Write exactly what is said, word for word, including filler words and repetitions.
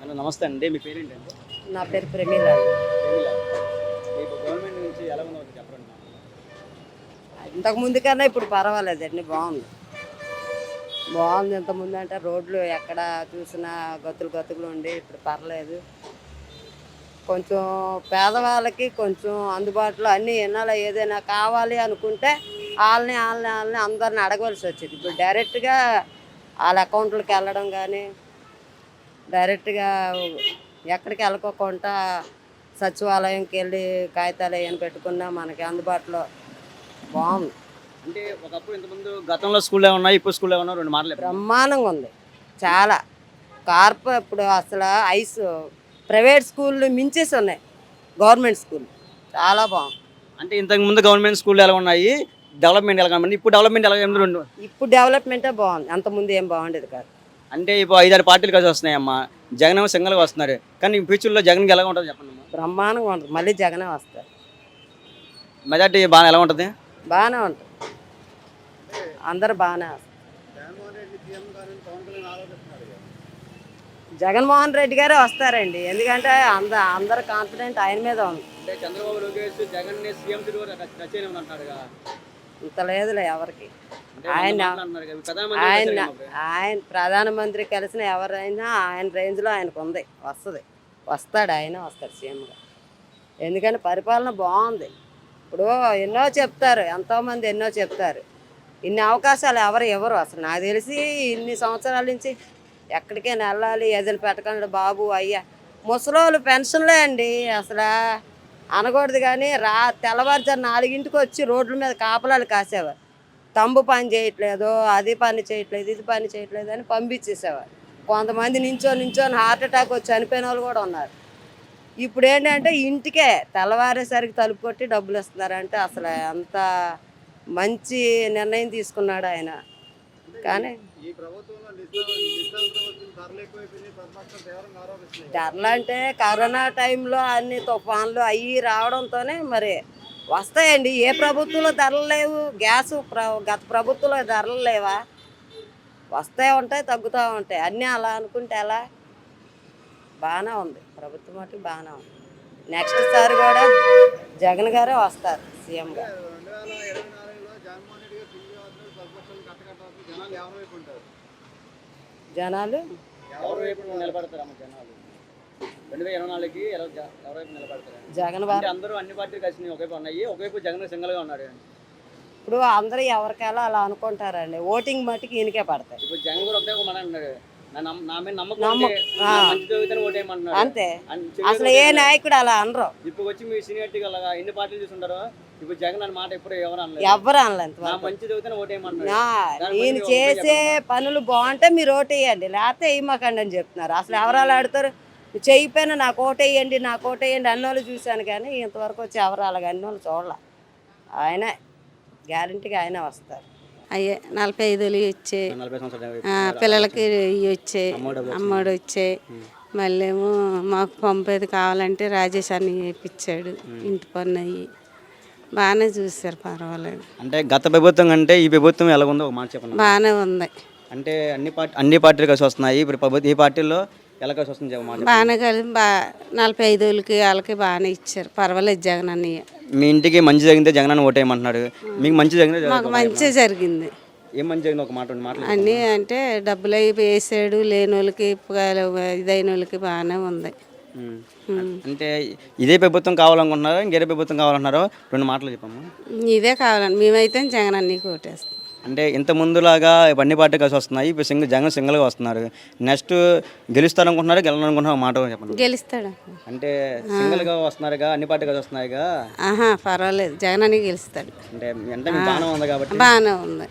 Hello నమస్తే అండి. మీ పేరేంటండి? నా పేరు ప్రమీల అండి. ప్రమీల. మీకు గవర్నమెంట్ నుంచి ఎలా ఉందో ఒకటి చెప్పండి నాకు. ఇంతకు ముందు కన్నా ఇప్పుడు పర్వాలేదండి, బాగుంది. బాగుంది. ఇంతకుముందు అంటే రోడ్లు ఎక్కడ చూసినా గతులు గతుకులు ఉండి, ఇప్పుడు పర్లేదు. కొంచెం పేదవాళ్ళకి కొంచెం అందుబాటులో అన్నీ ఎన్నాలో ఏదైనా కావాలి అనుకుంటే వాళ్ళని వాళ్ళని వాళ్ళని అందరిని అడగవలసి వచ్చేది. ఇప్పుడు డైరెక్ట్గా వాళ్ళ అకౌంట్లకు వెళ్ళడం కానీ, డైరెక్ట్గా ఎక్కడికి వెళ్ళకోకుండా సచివాలయంకి వెళ్ళి కాగితాలు ఏమైనా పెట్టుకున్నా మనకి అందుబాటులో బాగుంది. అంటే ఒకప్పుడు ఇంతకుముందు గతంలో స్కూల్లో ఉన్నాయి, ఇప్పుడు స్కూల్లో ఉన్నాయి, రెండు మాటలు చెప్పండి. బ్రహ్మాండంగా ఉంది. చాలా కార్పొ ఇప్పుడు అసలు ఐస్ ప్రైవేట్ స్కూళ్ళు మించేసి ఉన్నాయి గవర్నమెంట్ స్కూల్. చాలా బాగుంది. అంటే ఇంతకు ముందు గవర్నమెంట్ స్కూల్లో ఎలా ఉన్నాయి, డెవలప్మెంట్ ఎలా కనబడింది, ఇప్పుడు డెవలప్మెంట్ ఎలా ఉంది రెండు. ఇప్పుడు డెవలప్మెంటే బాగుంది, అంతకుముందు ఏం బాగుండేది కాదు. అంటే ఇప్పుడు ఐదారు పార్టీలు కలిసి వస్తున్నాయమ్మా. జగన్ ఏమో సింగల్గా వస్తున్నారు, కానీ ఫ్యూచర్లో జగన్కి ఎలా ఉంటుంది చెప్పండి అమ్మా. బ్రహ్మాండంగా ఉంటుంది. మళ్ళీ జగనే వస్తారు. మెజార్టీ బాగా ఎలా ఉంటుంది? బాగానే ఉంటుంది. అందరు బాగానే వస్తారు. జగన్మోహన్ రెడ్డి గారే వస్తారండి, ఎందుకంటే అంద అందరు కాన్ఫిడెంట్ ఆయన మీద ఉంది. అంటే చంద్రబాబు లోకేష్ జగన్ సీఎం అంటారుగా. ఇంత లేదులే ఎవరికి. ఆయన ఆయన ఆయన ప్రధానమంత్రి కలిసిన ఎవరైనా ఆయన రేంజ్లో ఆయనకు ఉంది, వస్తుంది, వస్తాడు, ఆయన వస్తాడు సీఎంగా. ఎందుకంటే పరిపాలన బాగుంది. ఇప్పుడు ఎన్నో చెప్తారు, ఎంతోమంది ఎన్నో చెప్తారు. ఇన్ని అవకాశాలు ఎవరు ఇవ్వరు. అసలు నాకు తెలిసి ఇన్ని సంవత్సరాల నుంచి ఎక్కడికైనా వెళ్ళాలి, ఏదైనా పెట్టకండి బాబు అయ్యా. ముసలోళ్ళు పెన్షన్లే అండి, అసలు అనకూడదు కానీ రా తెల్లవారుజారు నాలుగింటికి వచ్చి రోడ్ల మీద కాపలాలు కాసేవారు. తంబు పని చేయట్లేదు, అది పని చేయట్లేదు, ఇది పని చేయట్లేదు అని పంపించేసేవారు. కొంతమంది నించో నించోని హార్ట్ అటాక్ వచ్చి చనిపోయిన వాళ్ళు కూడా ఉన్నారు. ఇప్పుడు ఏంటంటే ఇంటికే తెల్లవారేసరికి తలుపు కొట్టి డబ్బులు ఇస్తున్నారంటే అసలు ఎంత మంచి నిర్ణయం తీసుకున్నాడు ఆయన. కానీ ధరలు అంటే కరోనా టైంలో అన్ని తుఫాన్లు అవి రావడంతోనే మరి వస్తాయండి. ఏ ప్రభుత్వంలో ధరలు లేవు? గ్యాస్ ప్ర గత ప్రభుత్వంలో ధరలు లేవా? వస్తూ ఉంటాయి, తగ్గుతూ ఉంటాయి. అన్నీ అలా అనుకుంటే ఎలా? బాగానే ఉంది ప్రభుత్వం, మటు బాగానే ఉంది. నెక్స్ట్ సారి కూడా జగన్ గారే వస్తారు సీఎంగా. జనాలు జగన్ వారు అందరూ అన్ని పార్టీలు కలిసి ఒకవైపు ఉన్నాయి, ఒకవైపు జగన్ సింగల్గా ఉన్నాడు. ఇప్పుడు అందరూ ఎవరికెలా అలా అనుకుంటారండి. ఓటింగ్ మట్టుకు ఈయనకే పడతాయి. ఇప్పుడు జగన్ కూడా ఒకటే మాట అన్నాడు, నా మీద నమ్మకం ఉంటే నా మంచి జరుగుతానే ఓటేయమంటున్నాడు. అంతే. అసలు ఏ నాయకుడు అలా అనరు. ఇప్పుడు వచ్చి మీ సీనియారిటీ అలాగా ఎన్ని పార్టీలు చూస్తుంటారో, ఇప్పుడు జగన్ అన్న మాట ఎప్పుడు ఎవరు అనలేదు. ఎవరు అనలేదు. నా మంచి జరుగుతానే ఓటేయమంటున్నాడు. ఈయన చేసే పనులు బాగుంటే మీరు ఓటేయండి, లేకపోతే వేయమాకండి అని చెప్తున్నారు. అసలు ఎవరు అలా ఆడతారు? చెయ్యిపోయినా నాకు ఓటేయండి, నాకు ఓటేయండి అన్నోళ్ళు చూశాను, కానీ ఇంతవరకు వచ్చి ఎవరు అలాగ అన్నోళ్ళు చూడాల. ఆయనే గ్యారంటీగా ఆయనే వస్తారు. అయ్యే నలభై ఐదులు వచ్చే పిల్లలకి ఇవి వచ్చే అమ్మోడు వచ్చే. మళ్ళీ ఏమో మాకు పంపేది కావాలంటే రాజేష్ అని ఇప్పించాడు. ఇంటి పన్ను అయ్యి బాగానే చూసారు, పర్వాలేదు. అంటే గత ప్రభుత్వం కంటే ఈ ప్రభుత్వం ఎలా ఉందో ఒక మాట చెప్పండి. బాగానే ఉంది. అంటే అన్ని పార్టీ అన్ని పార్టీలు కలిసి వస్తున్నాయి. ఇప్పుడు ప్రభుత్వం ఈ పార్టీల్లో ఎలా కలిసి వస్తుంది? బాగానే కలిసి బా నలభై ఐదు వేలకి వాళ్ళకి బాగానే ఇచ్చారు, పర్వాలేదు. జగన్ అన్నయ్య మీ ఇంటికి మంచి జరిగితే జగన్ అని ఓటేయమంటున్నాడు. మీకు మంచి జరిగింది? మాకు మంచి జరిగింది. ఏం మంచి జరిగింది ఒక మాట మాట అన్నీ అంటే డబ్బులు అవి వేసాడు, లేని వాళ్ళకి ఇదైన వాళ్ళకి బాగానే ఉంది. అంటే ఇదే ప్రభుత్వం కావాలనుకుంటున్నారా, ఇంకేదే ప్రభుత్వం కావాలన్నారో రెండు మాటలు చెప్పమ్మా. ఇదే కావాలండి, మేమైతే జగన్ అన్నయ్యకి ఓటేస్తాం. అంటే ఇంత ముందులాగా అన్ని పార్టీ కలిసి వస్తున్నాయి, ఇప్పుడు సింగిల్ జగన్ సింగిల్గా వస్తున్నారు. నెక్స్ట్ గెలుస్తారనుకుంటున్నారు, గెలవాలనుకుంటున్నారు మాట చెప్పండి. గెలుస్తాడు అంటే సింగిల్గా వస్తున్నారుగా, అన్ని పార్టీ కలిసి వస్తున్నాయిగా. ఆహా పర్వాలేదు, జగన్ అన్నయ్య గెలుస్తాడు. అంటే అంటే బాగానే ఉంది కాబట్టి. బాగానే ఉంది.